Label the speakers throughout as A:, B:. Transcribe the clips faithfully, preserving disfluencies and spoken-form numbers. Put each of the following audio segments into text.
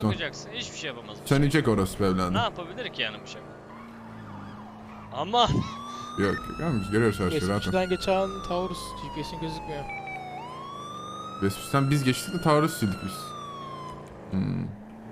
A: Bakacaksın, hiçbir şey yapamaz.
B: Sönecek orospu evladım.
A: Ne yapabilir ki yani bıçak? Ama
B: Yok yok ama biz görüyoruz her şeyi rahat ol.
C: Geçmişten geçen Taurus G P S'in gözükmüyor.
B: Vespucci'den biz geçtik de taarruz sildik biz. Hmm.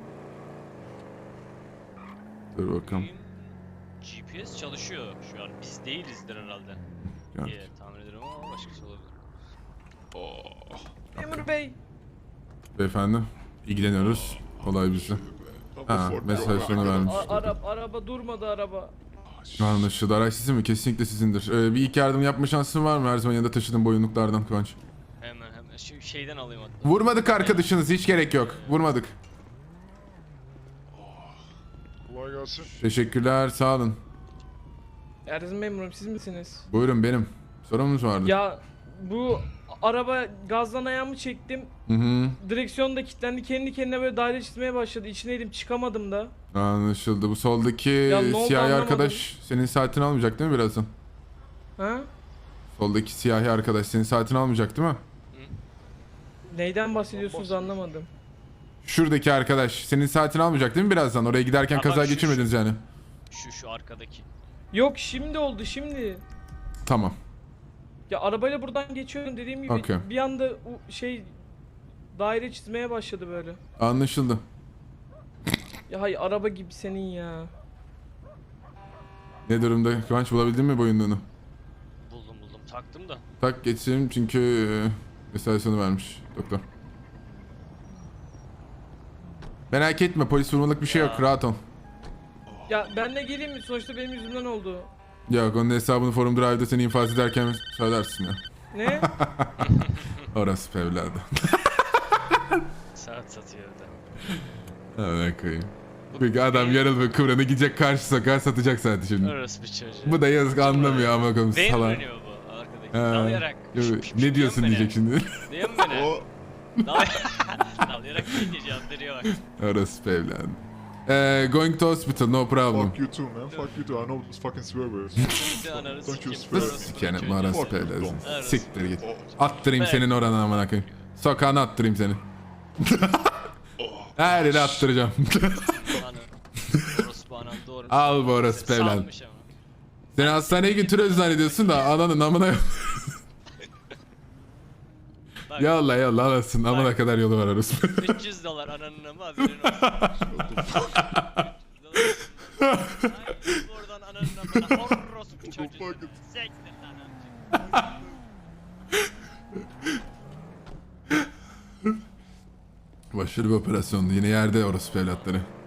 B: Dur bakalım.
A: G P S çalışıyor şu an. Biz değilizdir herhalde.
B: Yani.
A: diye tahmin ederim ama başkası olabilir.
B: Oh.
A: Memur Bey.
B: Beyefendi ilgileniyoruz. Olay bizde. Ha, mesaj sonu vermiş.
D: A- araba, araba durmadı araba.
B: Anlaşıldı. Araç sizin mi? Kesinlikle sizindir. Ee, bir ilk yardım yapma şansın var mı? Her zaman yanında taşıdığın boyunluklardan Kıvanç.
A: Hemen hemen Şu şeyden alayım hatta.
B: Vurmadık arkadaşınız. Hiç gerek yok. Vurmadık.
E: Kolay gelsin.
B: Teşekkürler. Sağ olun.
D: Ersin memurum siz misiniz?
B: Buyurun benim. Sorunuz vardı.
D: Ya bu araba gazdan ayağımı çektim.
B: Hı hı.
D: Direksiyon da kilitlendi. Kendi kendine böyle daire çizmeye başladı. İçindeydim çıkamadım da.
B: Anlaşıldı. Bu soldaki
D: Ya ne oldu
B: siyahi
D: anlamadım.
B: arkadaş senin saatini almayacak değil mi birazdan?
D: Ha?
B: Soldaki siyahi arkadaş senin saatini almayacak değil mi?
D: Neyden bahsediyorsunuz anlamadım.
B: Şuradaki arkadaş senin saatini almayacak değil mi birazdan? Oraya giderken
A: Ha,
B: kaza
A: bak şu-
B: geçirmediniz yani.
A: Şu şu arkadaki.
D: Yok şimdi oldu şimdi.
B: Tamam.
D: Ya arabayla buradan geçiyorum dediğim gibi
B: Okey.
D: bir anda o şey daire çizmeye başladı böyle.
B: Anlaşıldı.
D: Ya hay araba gibi senin ya.
B: Ne durumda? Kıvanç bulabildin mi boyunluğunu?
A: Buldum buldum taktım da.
B: Tak geçelim çünkü e, mesajını vermiş doktor. Merak etme polis vurmalık bir şey yok
A: Ya.
B: rahat ol.
D: Ya ben de geleyim mi? Sonuçta benim yüzümden oldu.
B: Yok onun hesabını Forum Drive'da seni infaz ederken söylersin ya.
D: Ne?
B: Orası evladı.
A: Saat satıyor evde.
B: Hemen koyayım. Peki adam yarıl ve kıvranı gidecek karşı sokağa satacak saati şimdi.
A: Orası bir çocuğu.
B: Bu da yazık anlamıyor ama koyayım
A: Benim
B: salak.
A: dönüyor bu arkadaki.
B: Ha.
A: Dalayarak.
B: Yo,
A: Şıp şıp
B: Ne
A: şıp
B: diyorsun
A: diyen
B: diyecek şimdi.
A: beni. Diyen beni.
E: O
A: Dalayarak. Dalayarak deyince cevap veriyor bak.
B: Orası evladı. Eee going to hospital no problem.
E: fuck you too man. Fuck you too. I know those fucking swear words.
A: Bir de ananı
E: Don't you
A: sikeyim.
E: swear.
B: Nasıl sikerim orası
E: Fuck you,
B: evladı.
E: don't.
B: Siktir git.
E: Oh.
B: Attırayım
A: Ben-
B: senin oranı amına koyayım. Sokağına attırayım seni. Her yere attıracağım.
A: Anı. Orospu anam doğru.
B: Al bu orası evladı.
A: Salmış ama.
B: Seni hastaneye götürüyoruz zannediyorsun da ananın amına yok.
A: Bak,
B: Yolla yolla alasın amına kadar yolu var orası.
A: üç yüz dolar ananın ama haberin olsun. Ay, oradan ananın amına orospu çocuğu.
E: fuck
A: Sektir lan amcık.
B: Başarılı bir operasyondu. Yine yerde orası evlatları.